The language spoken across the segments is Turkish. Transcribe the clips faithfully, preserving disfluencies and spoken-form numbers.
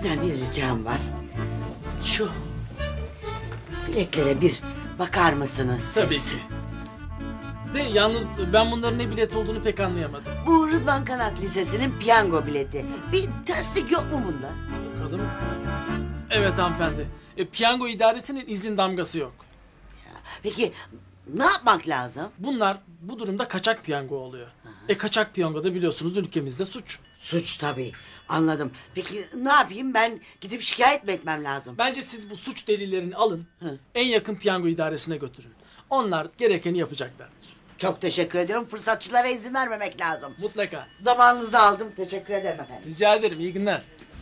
Sizden bir ricam var. Şu biletlere bir bakar mısınız siz? Tabii ki. De yalnız ben bunların ne bilet olduğunu pek anlayamadım. Bu Rıdvan Kanat Lisesi'nin piyango bileti. Bir terslik yok mu bunda? Bakalım. Evet hanımefendi. E, piyango idaresinin izin damgası yok. Peki ne yapmak lazım? Bunlar bu durumda kaçak piyango oluyor. E kaçak piyango da biliyorsunuz ülkemizde suç. Suç tabii. Anladım. Peki ne yapayım, ben gidip şikayet mi etmem lazım? Bence siz bu suç delillerini alın. Hı. En yakın piyango idaresine götürün. Onlar gerekeni yapacaklardır. Çok teşekkür ediyorum. Fırsatçılara izin vermemek lazım. Mutlaka. Zamanınızı aldım. Teşekkür ederim efendim. Rica ederim. İyi günler.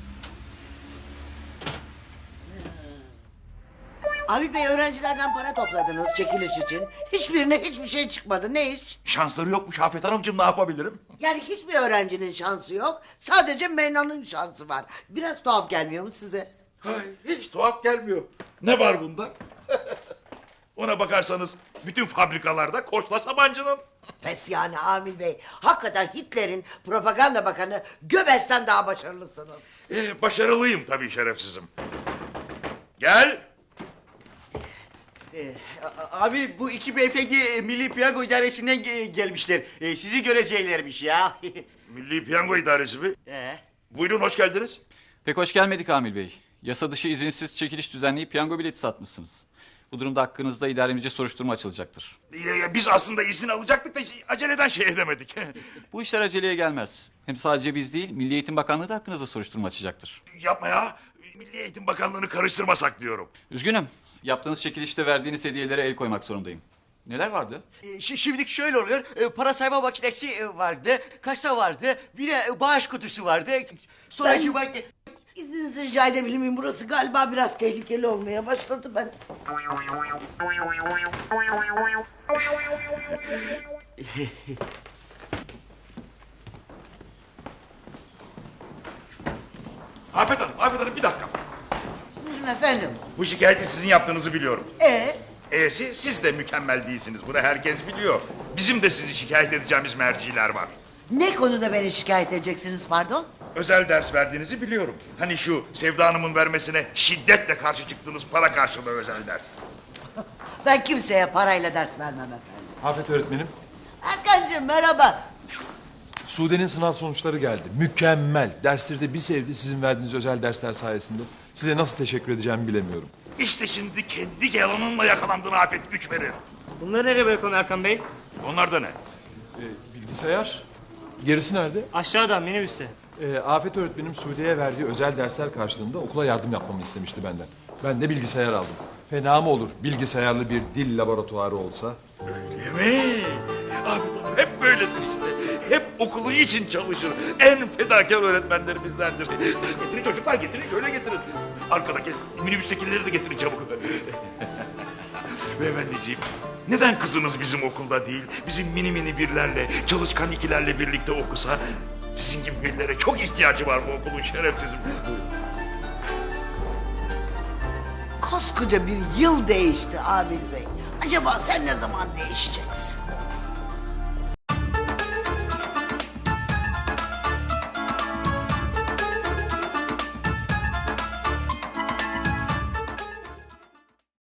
Abi Bey, öğrencilerden para topladınız çekiliş için. Hiçbirine hiçbir şey çıkmadı. Ne iş? Şansları yokmuş Afet Hanımcığım, ne yapabilirim? Yani hiçbir öğrencinin şansı yok. Sadece Meyna'nın şansı var. Biraz tuhaf gelmiyor mu size? Hay, hiç tuhaf gelmiyor. Ne var bunda? Ona bakarsanız bütün fabrikalarda Koçla Sabancı'nın. Pes yani Amil Bey. Hakikaten Hitler'in propaganda bakanı Göbels'ten daha başarılısınız. Ee, başarılıyım tabii şerefsizim. Gel. Ee, a- abi bu iki beyefendi e, Milli Piyango İdaresi'nden ge- gelmişler. Ee, sizi göreceklermiş ya. Milli Piyango İdaresi mi? Ee, Buyurun, hoş geldiniz. Pek hoş gelmedik Amil Bey. Yasa dışı izinsiz çekiliş düzenleyip piyango bileti satmışsınız. Bu durumda hakkınızda idaremizce soruşturma açılacaktır. Ya, ya, biz aslında izin alacaktık da aceleden şey edemedik. Bu işler aceleye gelmez. Hem sadece biz değil, Milli Eğitim Bakanlığı da hakkınızda soruşturma açacaktır. Yapma ya. Milli Eğitim Bakanlığı'nı karıştırmasak diyorum. Üzgünüm. Yaptığınız çekilişte verdiğiniz hediyelere el koymak zorundayım. Neler vardı? e, şi- şimdilik şöyle oluyor. E, para sayma makinesi e, vardı, kasa vardı, bir de e, bağış kutusu vardı. Sonra Ben- acaba... İzninizi rica edebilir miyim? Burası galiba biraz tehlikeli olmaya başladı ben. Afet Hanım, Afet Hanım bir dakika. Buyurun efendim. Bu şikayeti sizin yaptığınızı biliyorum. Ee, E'si siz de mükemmel değilsiniz. Bunu herkes biliyor. Bizim de sizi şikayet edeceğimiz merciler var. ne konuda beni şikayet edeceksiniz pardon? Özel ders verdiğinizi biliyorum. Hani şu Sevda Hanım'ın vermesine şiddetle karşı çıktığınız para karşılığı özel ders. Ben kimseye parayla ders vermem efendim. Afet öğretmenim, Erkancığım merhaba. Sude'nin sınav sonuçları geldi. Mükemmel. Dersleri de bir sevdi sizin verdiğiniz özel dersler sayesinde. Size nasıl teşekkür edeceğimi bilemiyorum. İşte şimdi kendi yalanınla yakalandığın Afet güç verir. Bunları nereye bırakalım Erkan Bey? Onlar da ne? Ee, bilgisayar, gerisi nerede? Aşağıda minibüste. Ee, Afet öğretmenim Sude'ye verdiği özel dersler karşılığında okula yardım yapmamı istemişti benden. Ben de bilgisayar aldım. Fena mı olur bilgisayarlı bir dil laboratuvarı olsa? Öyle mi? Afet Hanım hep böyledir işte. Hep okulu için çalışır. En fedakar öğretmenlerimizdendir. Getirin çocuklar, getirin, şöyle getirin. Arkadaki minibüstekileri de getirin çabuk. Beyefendiciğim, neden kızınız bizim okulda değil, bizim mini mini birlerle, çalışkan ikilerle birlikte okusa? Sizin gibi birlere çok ihtiyacı var bu okulun şerefsizim. Koskoca bir yıl değişti Amil Bey. Acaba sen ne zaman değişeceksin?